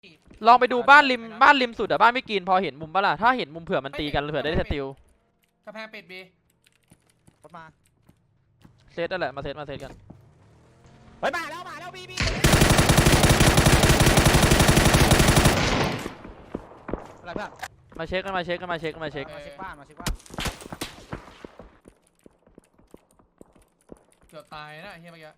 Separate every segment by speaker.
Speaker 1: ลองไปดูบ้านริมสุดอะบ้านไม่กินพอเห็นมุมปะล่ะถ้าเห็นมุมเผื่อมันตีกันเผื่อได้สติล
Speaker 2: กระแพงปิดบี
Speaker 3: รถมา
Speaker 1: เซตนั่นแหละมาเซตกัน
Speaker 3: เฮ้ยมาแล้วบีอะไรเพื่อน
Speaker 1: มาเช็ค
Speaker 3: มาเช็คบ้าน
Speaker 2: เกือบตายนะเฮียเมื่อกี้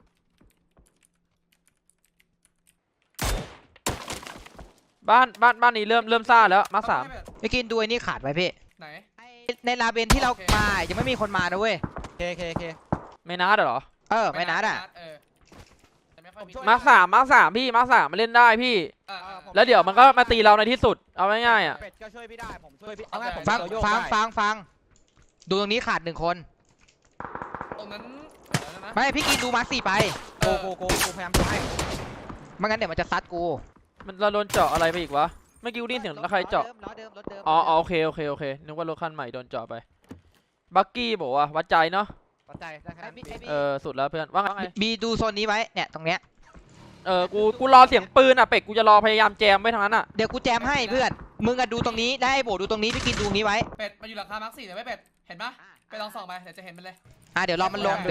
Speaker 1: บ้านนี้เริ่มซ่าแล้วมา3
Speaker 4: ไม่กินดูไอ้นี่ขาดไว้พี่
Speaker 2: ไหน
Speaker 4: ในลาเบนที่เรามายังไม่มีคนมานะเว้ย
Speaker 3: เค
Speaker 1: ไม่นัดเหรอ
Speaker 4: ไม่นัดอ่ะ
Speaker 1: มาสามพี่มา3มาเล่นได้พี่แล้วเดี๋ยวมันก็มาตีเราในที่สุดเอาง่ายๆอ่ะ
Speaker 3: เป็ดก็ช่วยพี่ได้ผมช่วยพี่
Speaker 4: ฟังดูตรงนี้ขาด1 คน
Speaker 2: ตรงนั้น
Speaker 4: ไม่พี่กินดูมา4ไป
Speaker 3: โกพยายามจะให้
Speaker 4: ไม่งั้นเดี๋ยวมันจะซัดกู
Speaker 1: มันเราโดนเจาะอะไรไปอีกวะไม่กิ้วดิ้นเสียงแล้วใครเจาะอ๋อโอเคนึกว่ารถคันใหม่โดนเจาะไปบักกี้บอกว่าวัดใจเนาะ
Speaker 3: วัดใจได้ครับ
Speaker 1: สุดแล้วเพื่อนว่าไง
Speaker 4: บีดูโซนนี้ไว้เนี่ยตรงเนี้ย
Speaker 1: กูรอเสียงปืนอ่ะเป็ดกูจะรอพยายามแจมไว้ทางนั้นอ่ะ
Speaker 4: เดี๋ยวกูแจมให้เพื่อนมึงอะดูตรงนี้ได้โบดูตรงนี้พี่กินดูนี้ไว้
Speaker 2: เป็ดมาอยู่หลังคามาร์ค4แต่ไม่เป็ดเห็นปะไปลองส่องไปเดี๋ยวจะเห็นมันเลย
Speaker 4: เดี๋ยวรอมันลง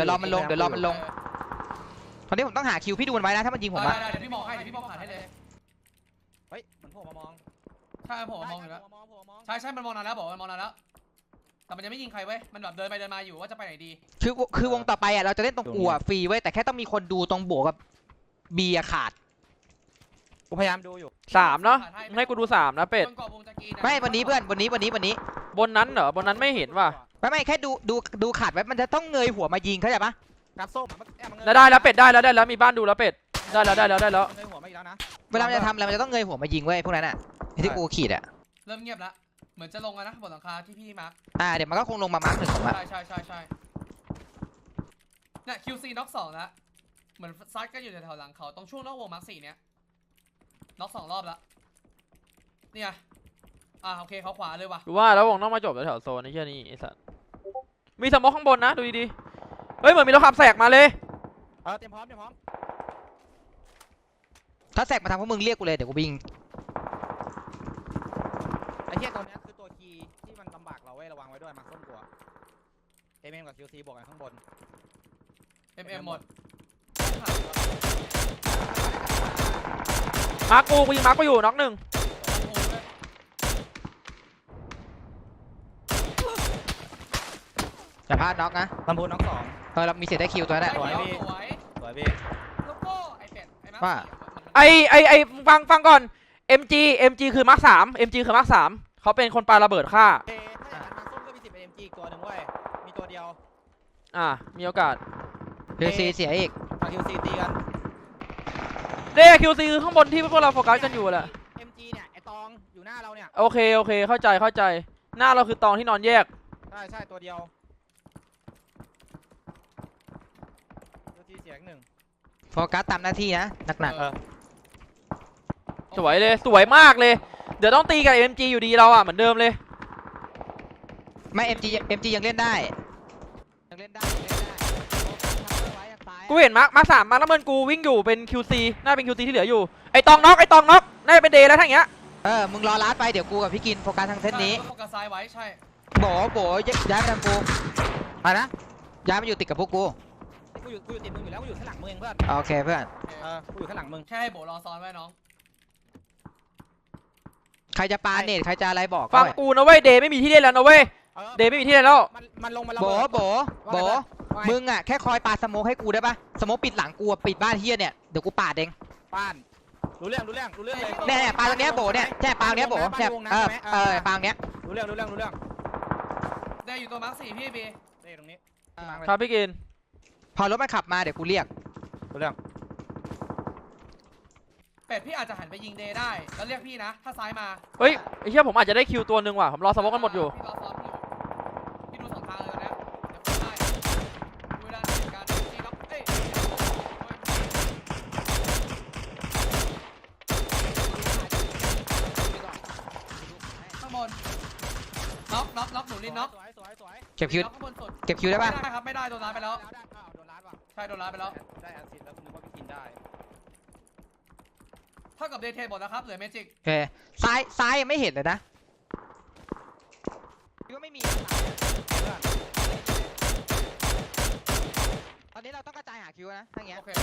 Speaker 4: ตอนนี้ผมต้องหาคิวพี่ดูมันไว้นะถ้ามันยิงผมอะ
Speaker 2: ได้เดี๋ยวพี่มองผ่านให้เลย
Speaker 3: เฮ้ยเหมือนผมมามอง
Speaker 2: ใช่ผมมองอยู่แล้วใช่มันมองนานแล้วบอกมันมองนานแล้วแต่มันยังไม่ยิงใครเว้ยมันแบบเดินไปเดินมาอยู่ว่าจะไปไหนดี
Speaker 4: คือวงต่อไปอ่ะเราจะเล่นตรงอัวฟรีเว้ยแต่แค่ต้องมีคนดูตรงโบกับบีขาด
Speaker 3: กูพยายามดูอยู่
Speaker 1: 3เนาะให้กูดู3นะเป็ด
Speaker 4: ไม่วันนี้เพื่อนวันนี้
Speaker 1: บนนั้นเหรอบนนั้นไม่เห็นว่ะ
Speaker 4: ไม่แค่ดูขาดไว้มันจะต้องเงยหัวมายิงเข้าใจปะ
Speaker 3: กัดส้ม
Speaker 1: ได้แล้วเป็ดได้แล้วมีบ้านดูแล้วเป็ดได้แล้ว
Speaker 3: เงยหัวมาอีกแล้วนะ
Speaker 4: เวลาจะทำอะไรมันจะต้องเงยหัวมายิงเว้ยพวกนั้นอ่ะที่กูขีดอ่ะ
Speaker 2: เริ่มเงียบแล้วเหมือนจะลงแล้วนะบนหลังคาที่พี่มาร์ค
Speaker 4: เดี๋ยวมันก็คงลงมามาร์ค1ผมอ่ะ
Speaker 2: ใช่เนี่ย QC น็อก2แล้วเหมือนซัดก็อยู่แถวหลังเขาตรงช่วงนอกวงมาร์ค4เนี้ยน็อก2 รอบแล้วเนี่ยโอเคเขาขวาเลยว่ะ
Speaker 1: ดูว่าแล้ววงต้องมาจบแถวโซนนี่แค่นี้ไอ้สัสมีสมองข้างบนนะดูดีๆเฮ้ยเหมือนมีรถขับแสกมาเลย
Speaker 3: เตรียมพร้อม
Speaker 4: ถ้าแสกมาทำพวกมึงเรียกกูเลยเดี๋ยวกูบิง
Speaker 3: ไอ้เหี้ยตัวนี้คือตัวคีย์ที่มันลำบากเราไว้ระวังไว้ด้วยมาส้มกลัวกับ QC บวกกันข้างบน
Speaker 2: หมด
Speaker 1: มาร์กูยิงมาร์กูอยู่น็อก1
Speaker 4: อย่าพลาดน็อกนะ
Speaker 3: ลำพูนน็อก2
Speaker 4: เรามีเศษได้คิวตัวนั้นแหละ
Speaker 3: สวยพี่
Speaker 2: โลโก้ไอเป็ด
Speaker 4: ว่า
Speaker 1: ไอฟังก่อน MG คือมาร์ค3 MG คือมาร์ค3เขาเป็นคนปาระเบิดฆ่า
Speaker 3: ถ้าอย่างนั้นมาส้มก็มี10เป็น MG ตัวหนึ่งเว้ยมีตัวเดียว
Speaker 1: มีโอกาส
Speaker 4: QC เสียอีก
Speaker 3: QC ตีกัน
Speaker 1: QC คือข้างบนที่พวกเราโฟกัสกันอยู่แหละ
Speaker 3: MG เนี่ยไอตองอยู่หน้าเราเนี่ย
Speaker 1: โอเคเข้าใจหน้าเราคือตองที่นอนแยก
Speaker 3: ใช่ตัวเดียวเสียง1
Speaker 4: โฟกัสตามหน้าที่นะหนัก
Speaker 1: สวยเลยสวยมากเลยเดี๋ยวต้องตีกับ MG อยู่ดีเราเหมือนเดิมเลย
Speaker 4: ไม่ MG ยังเล่นได้
Speaker 1: กูเห็นมาร์ค3มาแล้วเมินกูวิ่งอยู่เป็น QC น่าเป็น QC ที่เหลืออยู่ไอตองน็อกน่าจะเป็นเดย์แล้วทั้งเงี้ย
Speaker 4: มึงรอลัดไปเดี๋ยวกูกับพี่กินโฟกัสทางเส้นนี้
Speaker 2: โฟกัสซ้ายไว้ใช่
Speaker 4: โบย้ายไปทางกูอะไรนะย้ายมาอยู่ติดกับพวกกู
Speaker 3: อยู่ติดมึงอยู่แล้วกูอยู่ข้างหลังมึงเองเพื่อน
Speaker 4: โอเคเพื่อน
Speaker 3: กูอยู่ข้างหลังมึง
Speaker 2: แค่ให้โบรอซ้อนไว้น้อง
Speaker 4: ใครจะปาเน็ตใครจะอะไรบอก
Speaker 1: ฟังกูนะเว้ยเดย์ไม่มีที่เล่นแล้วนะเว้ยเดย์ไม่มีที่เล่นแล้ว
Speaker 3: มันลงมา
Speaker 4: โบมึงแค่คอยปาสโมกให้กูได้ปะสโมกปิดหลังกูปิดบ้านเฮียเนี่ยเดี๋ยวกูปาดเอง
Speaker 3: ป้านรู้เรื่องเลย
Speaker 4: เนี่ยปาตรงเนี้ยโบเนี่ยแค่ปาตรงเนี้ยโบแค่ปาตรงเนี้ย
Speaker 3: รู้เรื่อง
Speaker 2: ได้อยู่ตัวมาร์ค4พี่บี
Speaker 3: ได้ตรงนี้
Speaker 1: ครับพี่กิน
Speaker 4: พอรถมันขับมาเดี๋ยวกูเรียก
Speaker 3: รู้เรื่อง
Speaker 2: เป็ดพี่อาจจะหันไปยิงเดย์ได้แล้วเรียกพี่นะถ้าซ้ายมา
Speaker 1: เฮ้ยไอ้เหี้ยผมอาจจะได้คิวตัวหนึ่งว่ะผมรอสโมกกันหมดอยู่
Speaker 2: พี่ดู2 ทางเลยนะดูได้การตีล็อกข้างบนน็อกหนูลินน็อก
Speaker 4: เก็บคิวได้ปะ
Speaker 2: ไม่ได้ครับไม่ได้โดนล้านไปแล้วใช่โดนล้านไปแล้ว
Speaker 3: ได้อาซิดแล้วคุณนึกว่าพี่กินได้
Speaker 2: ท่ากับเดทเทนหมดแล้วครับเหลือเมจิก
Speaker 4: โอเคซ้ายยังไม่เห็นเลยนะคิดว่าไม่มีตอนนี้เราต้องกระจายหาคิวนะถ้าอย่างเงี้ย
Speaker 2: โอเค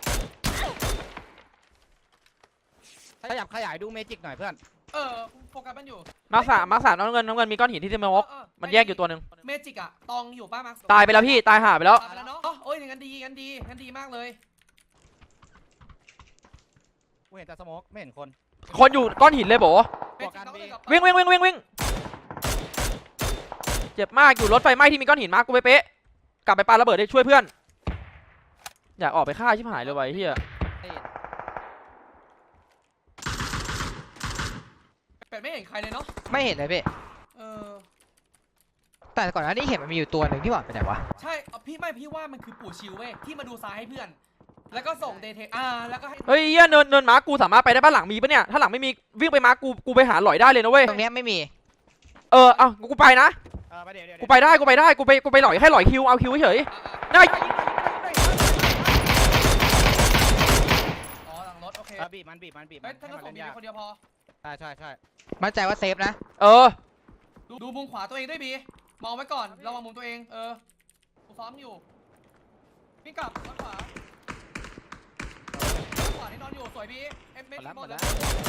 Speaker 3: ขยับขยายดูเมจิกหน่อยเพื่อน
Speaker 2: โฟกัสมันอยู่
Speaker 1: มาร์คสามน้ำเงินมีก้อนหินที่สโมกมันแยกอยู่ตัวหนึ่ง
Speaker 2: เมจิกอะตองอยู่ป้ามาร์ค
Speaker 1: ตายไปแล้วพี่ตายหาไปแล้ว
Speaker 2: ตายไปแล้วเนาะโอ้ยงั้นดีมากเลย
Speaker 3: กูเห็นแต่สโมกไม่เห็นคน
Speaker 1: คนอยู่ก้อนหินเลยโบ
Speaker 2: เมจิกต้องเล่นกับ
Speaker 1: วิ่งเจ็บมากอยู่รถไฟไหม้ที่มีก้อนหินมากูไปเป๊ะกลับไปปาระเบิดได้ช่วยเพื่อนอยากออกไปฆ่าชิบหายเลยไว้เฮีย
Speaker 2: เป็ดไม่เห็นใครเลยเนาะ
Speaker 4: ไม่เห็นเลยพี่
Speaker 2: เออ
Speaker 4: แต่ก่อนหน้านี้เห็นมันมีอยู่ตัวหนึ่งที่บอกไปไหนวะ
Speaker 2: ใช่พี่ว่ามันคือปู่ชิวเว้ยที่มาดูซ้ายให้เพื่อน แล้วก็ส่งเดทเทนแล้วก็ให้
Speaker 1: เฮ้ยเฮียเนินม้ากูสามารถไปได้บ้านหลังมีปะเนี่ยถ้าหลังไม่มีวิ่งไปม้ากูไปหาหลอยได้เลยนะเว้ย
Speaker 4: ตรงเนี้ยไม่มี
Speaker 1: เอ้ากูไปนะ
Speaker 3: ไปเดี๋ยว
Speaker 1: กูไปได้กูไปหลอยแค่หลอยคิวเอาคิวเฉยได้
Speaker 2: อ๋อหลังรถโอเค
Speaker 3: บีบมัน
Speaker 2: เฮ้ยถ้าก็ส่งบีคนเดียวพอ
Speaker 3: ใช่
Speaker 4: มั่นใจว่าเซฟนะ
Speaker 2: ดูมุมขวาตัวเองด้วยบีมองไว้ก่อนระวังมุมตัวเองกูซ้อมอยู่พี่กลับด้านขวาที่นอนอยู่สวยบีเมจิกหมดแล้ว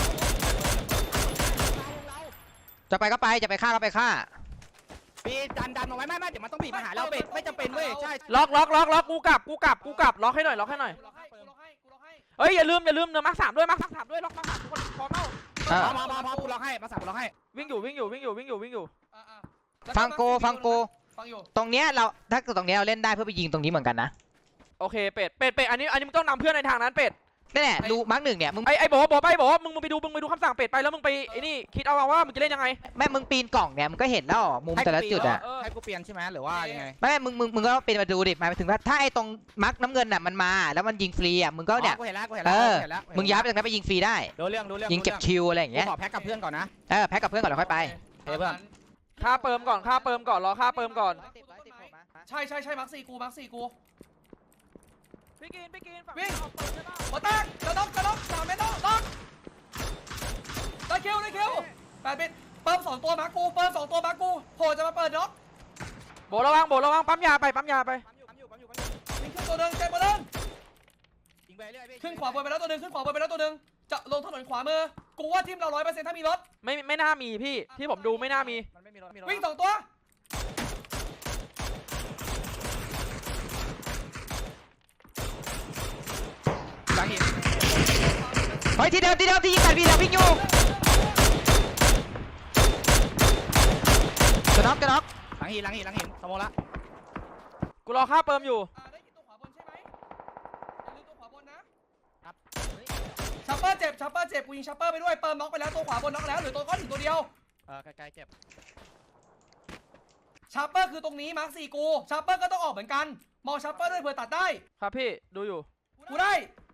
Speaker 4: จะไปก็ไปจะไปฆ่าก็ไปฆ่า
Speaker 3: บีดันเอาไว้ไม่เดี๋ยวมันต้องบีบมาหาเราเป็ดไม่จำเป็นเว้ยใช่
Speaker 1: ล็อกกูกลับล็อกให้หน่อย
Speaker 2: กูล็อกให้
Speaker 1: เฮ้ยอย่าลืมเนื้อมาร์คสามด้วยล็อกมาร์คสามทุกคนพร้อมแล้ว
Speaker 3: มากูล็อกให้มาสั่งกูล็อกให้
Speaker 1: วิ่งอยู่
Speaker 4: ฟังโก
Speaker 2: ฟังอยู่
Speaker 4: ตรงเนี้ยถ้าเกิดตรงเนี้ยเราเล่นได้เพื่อไปยิงตรงนี้เหมือนกันนะ
Speaker 1: โอเคเป็ดอันนี้มึงต้องนำเพื่อนในทางนั้นเป็ด
Speaker 4: นี่แหละดูมาร์กหนึ่งเนี่ยมึง
Speaker 1: ไอ้โบมึงไปดูคำสั่งเป็ดไปแล้วมึงไปไอ้นี่คิดเอาว่ามึงจะเล่นยังไง
Speaker 4: แม่มึงปีนกล่องเนี่ยมึงก็เห็นแล้วมุมแต่ละจุดอะ
Speaker 3: ให้กูเปลี่ยนใช่ไหมหรือว่ายังไง
Speaker 4: ไม่มึงก็ปีนมาดูดิหมายถึงว่าถ้าไอ้ตรงมาร์กน้ำเงินน่ะมันมาแล้วมันยิงฟรีอะมึงก็เนี่ย
Speaker 3: กูเห็นแล้ว
Speaker 4: มึงย้ายไปตรงนั้นไปยิงฟรีได้
Speaker 3: ดูเรื่อง
Speaker 4: ยิงเก็บคิวอะไรอย่าง
Speaker 3: กู
Speaker 4: เงี้ย
Speaker 3: ขอแพ็กกับเพื่อนก่อนนะ
Speaker 4: แพ็กกับเพื่อนก่อนแล้วค่อยไป
Speaker 3: เฮ้ยเพื่อน
Speaker 1: ค่าเปิมก่อนรอค่าเปิมก่อน
Speaker 2: ใช่มาร์คสี่กู
Speaker 1: พี่กิน
Speaker 2: วิ่งหัวตั้งกระดก3 เมตรล็อกได้คิว8 เมตรเปิม2 ตัวมาร์คกูโผล่จะมาเปิดน็อก
Speaker 1: โบระวังปั๊มยาไป
Speaker 2: ยิงขึ้นตัวหนึ่งเจ็บตัวหนึ่งขึ้นขวาบนไปแล้วตัวหนึ่งจะลงถนนขวามือกูว่าทีมเรา 100% ถ้ามีรถ
Speaker 1: ไม่น่ามีพี่ที่ผมดูไม่น่ามี
Speaker 2: วิ่ง2 ตัว
Speaker 3: หลังหิน
Speaker 4: เฮ้ยที่เดิมที่ยิงกันพี่เราวิ่งอยู่จะน็อก
Speaker 3: หลังหินสมองละ
Speaker 1: กูรอค่าเปิมอยู่
Speaker 2: ได้ยินตัวขวาบนใช่ไหมอย่าลืมตัวขวาบนนะครับ ชัปเปอร์เจ็บกูยิงชัปเปอร์ไปด้วยเปิมน็อกไปแล้วตัวขวาบนน็อกแล้วเหลือตัวก้อนหินตัวเดียว
Speaker 3: ใกล้เจ็บ
Speaker 2: ชัปเปอร์คือตรงนี้มาร์ค4กูชัปเปอร์ก็ต้องออกเหมือนกันมองชัปเปอร์ด้วยเผื่อตัดได้
Speaker 1: ครับพี่ดูอยู่
Speaker 2: กูได้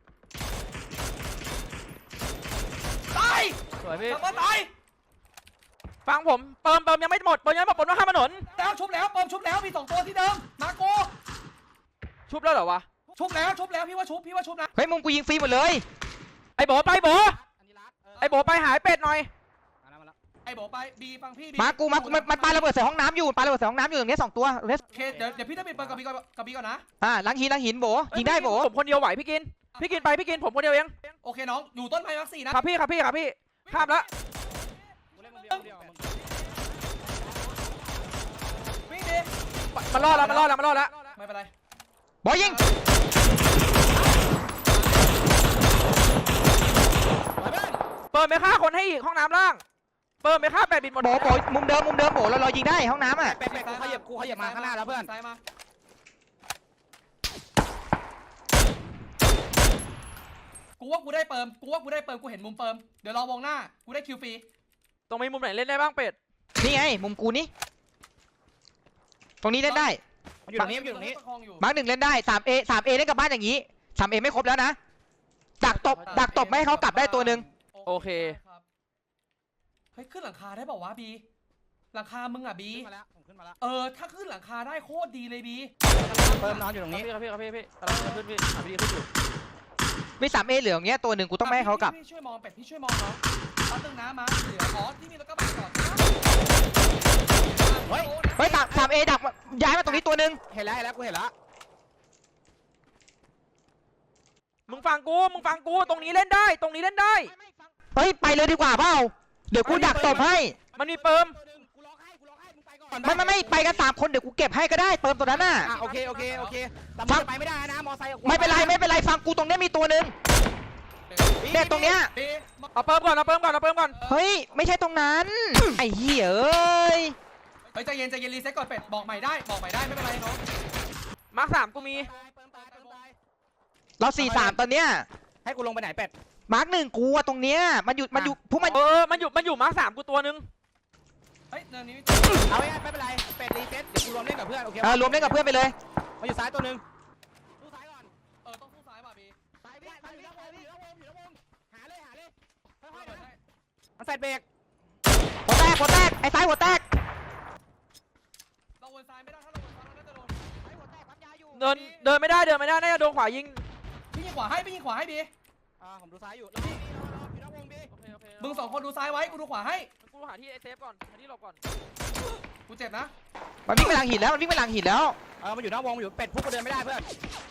Speaker 2: ตาย
Speaker 1: สวยพี่
Speaker 2: ชัปเปอร์ตาย
Speaker 1: ฟังผมเปิมยังไม่หมดผมต้องข้ามถนน
Speaker 2: แล้วชุบแล้วเปิมชุบแล้วมี2 ตัวที่เดิมมาร์คกู
Speaker 1: ชุบแล้วเหรอวะ
Speaker 2: ชุบแล้วพี่ว่าชุบนะ
Speaker 4: เฮ้ยมุมกูยิงฟรีหมดเลย
Speaker 1: ไอ้โบไปไปหายเป็ดหน่อย
Speaker 2: ไอ้โบไปบีฟังพี่บี
Speaker 4: มากูมันปาระเบิดใส่ห้องน้ำอยู่ตรงนี้2 ตัวเลส
Speaker 2: โอเคเดี๋ยวพี่จะปิดเปิดกับบีก่อนนะ
Speaker 4: หลังหินโบยิงได้โบ
Speaker 1: ผมคนเดียวไหวพี่กินผมคนเดียวเอง
Speaker 2: โอเคน้องอยู่ต้นไม้มาร์ค4นะครับ
Speaker 1: พี่ข้ามแล้ว
Speaker 2: วิ่งดิ
Speaker 1: มันรอดแล้ว
Speaker 2: ไม่เป็นไร
Speaker 4: โบยิง
Speaker 1: เปิดไปฆ่าคนให้อีกห้องน้ำล่างเปิดไปฆ่าเป็ดบินหมด
Speaker 4: โบมุมเดิมโบเรายิงได้ห้องน้ำอ่ะ
Speaker 3: เป็ดกูขยับมาข้างหน้าแล้วเพื่อน
Speaker 2: ซ้ายมากูว่ากูได้เปิมกูเห็นมุมเปิมเดี๋ยวรอวงหน้ากูได้คิวฟรี
Speaker 1: ตรงมีมุมไหนเล่นได้บ้างเป็ด
Speaker 4: นี่ไงมุมกูนี่ตรงนี้เล่นได้
Speaker 3: มันอยู่ตรงนี้
Speaker 4: มาร์กหนึ่งเล่นได้ 3A เล่นกับบ้านอย่างนี้ 3A ไม่ครบแล้วนะดักตบไม่ให้เขากลับได้ตัวหนึ่ง
Speaker 1: โอเค
Speaker 2: เฮ้ยขึ้นหลังคาได้เปล่าวะบีหลังคามึงอ่ะบี
Speaker 3: ขึ้นมาแล้ว
Speaker 2: ถ้าขึ้นหลังคาได้โคตรดีเลยบี
Speaker 3: เพิ่มนอนอยู่ตรงนี้
Speaker 1: พี่กำลังขึ้นพี่หาวิธีขึ้นอยู่
Speaker 4: มี 3A เหลืออย่างเงี้ยตัวหนึ่งกูต้องไม่ให้เขากลับ
Speaker 2: พี่ช่วยมองเป็ดพี่ช่วยมองน้องแป๊บนึงนะมาเหลืออ๋อที่นี่แล้วก็มาก่อน
Speaker 3: เฮ้ย
Speaker 4: เฮ้ย3A ดักย้ายมาตรงนี้ตัวหนึ่ง
Speaker 3: เห็นแล้วกูเห็นแล้ว
Speaker 1: มึงฟังกูตรงนี้เล่นได้ตรงนี้เล่นได้
Speaker 4: เฮ้ยไปเลยดีกว่าเปล่าเดี๋ยวกูดักตบให้
Speaker 1: มันมีเปิม
Speaker 3: กูล็อกให้มึงไปก่อน
Speaker 4: ไม่ไปกัน3คนเดี๋ยวกูเก็บให้ก็ได้เติมตัวนั้นน่ะ
Speaker 3: โอเคแต่มึงไปไม่ได้นะมอไซค์
Speaker 4: ไม่เป็นไรฟังกูตรงเนี้ยมีตัวหนึ่งเนี่ยตรงเนี้ย
Speaker 1: เอาเปิมก่อน
Speaker 4: เฮ้ยไม่ใช่ตรงนั้นไอ้เหี้ยเอ้ย
Speaker 2: เฮ้ยใจเย็นรีเซ็ตก่อนเป็ดบอกใหม่ได้ไม่เป็นไรน้อง
Speaker 1: มาร์ค3กูมี
Speaker 4: เรา4-3ตอนเนี้ย
Speaker 3: ให้กูลงไปไหนเป็ด
Speaker 4: มาร์ก1กูอะตรงเนี้ยมันอยู่พวกมัน
Speaker 1: มันอยู่มาร์ค3กูตัวนึง
Speaker 2: เฮ้ยเนินนี้
Speaker 3: เอาไม่เป็นไรเป็ดรีเซ็ตเดี๋ยวกูรวมเล่นกับเพื่อนโอเค
Speaker 4: รวมเล่นกับเพื่อนไปเลย
Speaker 3: มาอยู่ซ้ายตัวนึงสู้ซ้ายก่อน
Speaker 2: ต้องสู้ซ้ายป่ะบี
Speaker 3: ซ้ายอยู่แล้ววงหาเลยค่อยๆนะมันใส่เบรก
Speaker 4: หัวแตกไอ้ซ้ายหัวแตก
Speaker 2: เราวนซ้ายไม่ได้ถ้าเราวนซ้ายเราน่าจะโดน
Speaker 1: เดินไม่ได้น่าจะโดนขวายิง
Speaker 2: พี่ยิงขวาให้บี
Speaker 3: ผมดูซ้ายอยู่แล้วพี่อยู่นอกวงบี
Speaker 2: มึง2คนดูซ้ายไว้กูดูขวาให้
Speaker 1: กูหาที่เซฟก่อนหาที่หลบก่อน
Speaker 2: กูเจ็บนะ
Speaker 4: มันวิ่งไปหลังหินแล้วมัน
Speaker 3: มันอยู่นอกวงอยู่เป็ดพวกกูเดินไม่ได้เพื่อน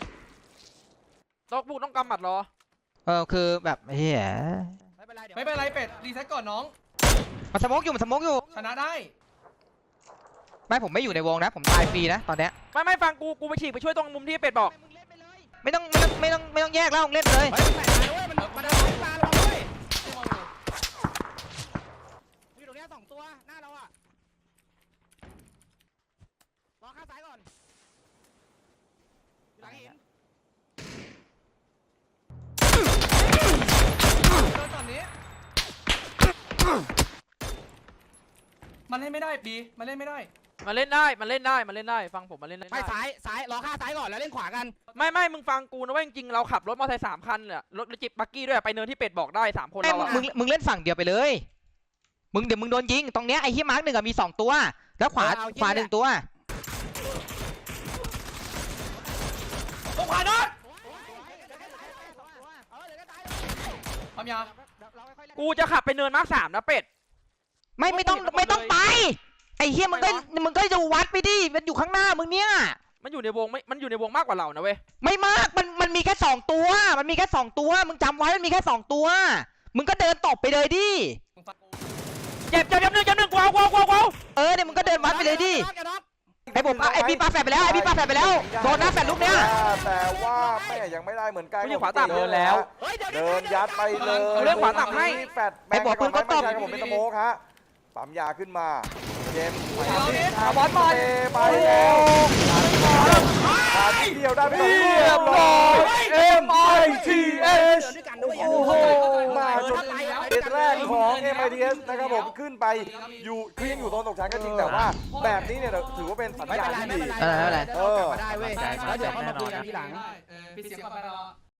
Speaker 1: ต้องกำหมัดรอ
Speaker 4: คือแบบเฮีย
Speaker 2: ไม่เป็นไรเป็ดรีเซ็ตก่อนน้อง
Speaker 4: มันสโมกอยู่
Speaker 2: ชนะได้
Speaker 4: ไม่ผมไม่อยู่ในวงนะผมตายฟรีนะตอนเนี้ย
Speaker 1: ไม่ฟังกูไปฉีกไปช่วยตรงมุมที่เป็ดบอก
Speaker 4: ไม่ต้องแยกแล้วเล่นเลย
Speaker 3: เฮ้ยมันแปะด้วยมันเดินมาระวังด้วยอยู่ตรงนี้2ตัวหน้าเราอ่ะรอข้างซ้ายก่อนหลังหิน
Speaker 2: โดนตอนนี้มันเล่นไม่ได้บีมันเล่นไม่ได้
Speaker 1: มันเล่นได้ฟังผมมันเล่นได้
Speaker 3: ไปซ้ายรอข้างซ้ายก่อนแล้วเล่นขวากัน
Speaker 1: ไม่มึงฟังกูนะว่าจริงๆเราขับรถมอเตอร์ไซค์3 คันเนี่ยรถจิบบักกี้ด้วยไปเนินที่เป็ดบอกได้3 คน
Speaker 4: ไอ้
Speaker 1: เราอะ
Speaker 4: มึงเล่นฝั่งเดียวไปเลยเดี๋ยวมึงโดนยิงตรงเนี้ยไอ้ที่มาร์ก1มี2ตัวแล้วขวา1ตัว
Speaker 2: ต้องขวาโดนความยา
Speaker 1: กูจะขับไปเนินมาร์ค3นะเป็ด
Speaker 4: ไม่ต้องไปไอ้เฮียมึงก็จะวัดไปดิมันอยู่ข้างหน้ามึงเนี่ย
Speaker 1: มันอยู่ในวงมันอยู่ในวงมากกว่าเรานะเว้ย
Speaker 4: ไม่มากมันมีแค่2ตัวมึงจำไว้มันมีแค่2ตัวมึงก็เดินตบไปเลยดิ
Speaker 1: เจ็บหนึ่งกูเอา
Speaker 4: เนี่ยมึงก็เดินวัดไปเลยดิไอ้พี่ปาแฝดไปแล้วโดนหน้าแฝดลูกเนี้ย
Speaker 5: แต่ว่าแม่ยังไม่ได้เหมือนกัน
Speaker 1: กูอยู่ขวาต่ำ
Speaker 5: เดินแล้วเดินยัดไปเลย
Speaker 1: เรื่องขวาต่ำให้
Speaker 5: แฟดแบงค์ก่อนไม่ใช่ครับผมเป็นสโมกฮะปั๊มยาขึ้นมาเจมส์บอลมาไปแล้วขาเดียวได้ไปเรียบร้อย MITS โอ้โหมาจนเซตแรกของ MITS นะครับผมขึ้นไปอยู่คือยังอยู่โซนตกชั้นก็จริงแต่ว่าแบบนี้เนี่ยถือว่าเป็นสัญญาณที่ดี
Speaker 3: มาได้เว้ยแล้วเดี๋ยวเขามาคุยกันทีหลัง
Speaker 2: ปิดเสียงก่อนไปรอ